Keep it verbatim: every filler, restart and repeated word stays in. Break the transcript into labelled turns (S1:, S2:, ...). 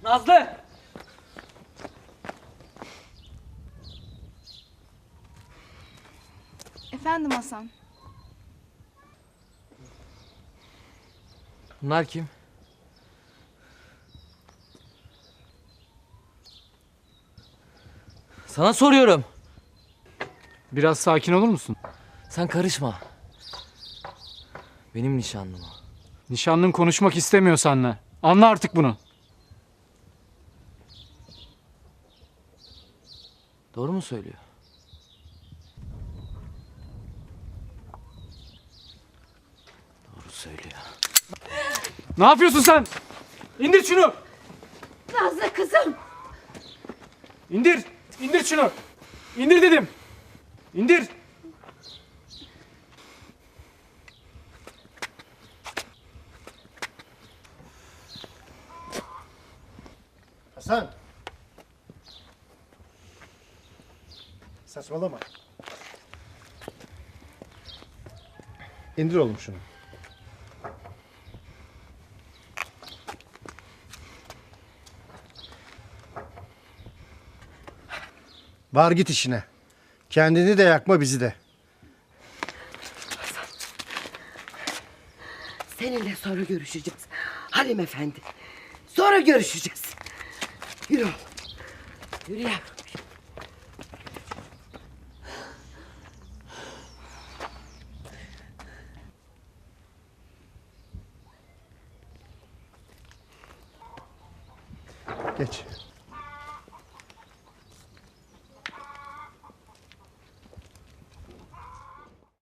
S1: Nazlı!
S2: Efendim Hasan.
S3: Bunlar kim? Sana soruyorum.
S4: Biraz sakin olur musun?
S3: Sen karışma. Benim nişanlım o.
S4: Nişanlın konuşmak istemiyor seninle. Anla artık bunu.
S3: Doğru mu söylüyor? Doğru söylüyor.
S4: Ne yapıyorsun sen? İndir şunu.
S5: Nazlı kızım.
S4: İndir. İndir şunu. İndir dedim. İndir.
S6: Hasan. Saçmalama. İndir oğlum şunu. Var git işine. Kendini de yakma, bizi de.
S5: Seninle sonra görüşeceğiz. Halim Efendi. Sonra görüşeceğiz. Yürü oğlum. Yürü yavrum.
S6: Geç.